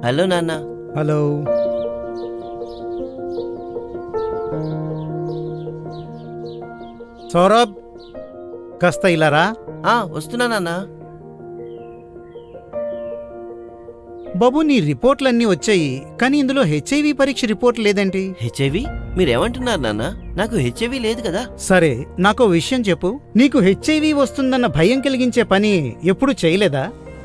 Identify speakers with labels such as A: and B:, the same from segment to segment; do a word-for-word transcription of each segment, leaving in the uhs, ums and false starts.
A: Hello నాన్న.
B: Hello. Saurabh, కాస్త ఇలా రా.
A: ఆ, వస్తున్నా నాన్న.
B: బాబు, నీ రిపోర్ట్లన్నీ వచ్చాయి, కానీ ఇందులో హెచ్ఐవి పరీక్ష రిపోర్ట్ లేదేంటి?
A: హెచ్ఐవి? మీరేమంటున్నారు నాన్న? నాకు హెచ్ఐవి లేదు కదా.
B: సరే, నాకో విషయం చెప్పు. నీకు హెచ్ఐవి వస్తుందన్న భయం కలిగించే పని ఎప్పుడు చేయలేదా?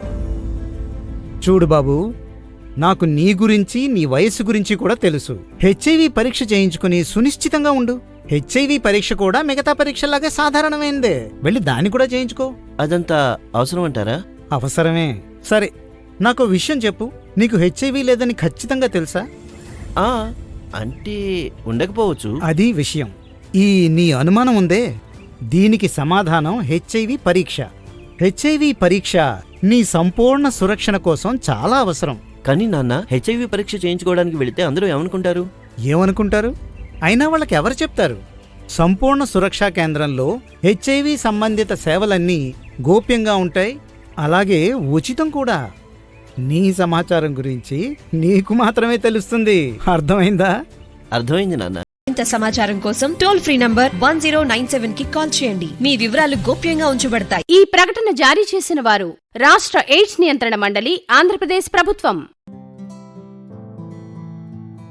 B: చూడు బాబు, నాకు నీ గురించి, నీ వయస్సు గురించి కూడా తెలుసు. హెచ్ఐవి పరీక్ష చేయించుకుని సునిశ్చితంగా ఉండు. హెచ్ఐవి పరీక్ష కూడా మిగతా పరీక్షలాగే సాధారణమైందే. వెళ్ళి దాన్ని కూడా చేయించుకో.
A: అదంతా అవసరం అంటారా?
B: అవసరమే. సరే, నాకో విషయం చెప్పు. నీకు హెచ్ఐవి లేదని ఖచ్చితంగా తెలుసా?
A: ఆ, అంటే ఉండకపోవచ్చు.
B: అది విషయం. ఈ నీ అనుమానం ఉందే, దీనికి సమాధానం హెచ్ఐవి పరీక్ష. హెచ్ఐవి పరీక్ష నీ సంపూర్ణ సురక్షణ కోసం చాలా అవసరం.
A: కానీ నాన్న, హెచ్ఐవి పరీక్ష చేయించుకోవడానికి వెళితే అందరూ ఏమనుకుంటారు?
B: ఏమనుకుంటారు? అయినా వాళ్ళకి ఎవరు చెప్తారు? సంపూర్ణ సురక్షా కేంద్రంలో హెచ్ఐవి సంబంధిత సేవలన్నీ గోప్యంగా ఉంటాయి, అలాగే ఉచితం కూడా. నీ సమాచారం గురించి నీకు మాత్రమే తెలుస్తుంది. అర్థమైందా?
A: అర్థమైంది నాన్న.
C: ఇంత సమాచారం కోసం toll free number one zero nine seven కి కాల్ చేయండి. మీ వివరాలు గోప్యంగా ఉంచబడతాయి.
D: ఈ ప్రకటన జారీ చేసిన వారు రాష్ట్ర ఎయిడ్స్ నియంత్రణ మండలి, ఆంధ్రప్రదేశ్ ప్రభుత్వం.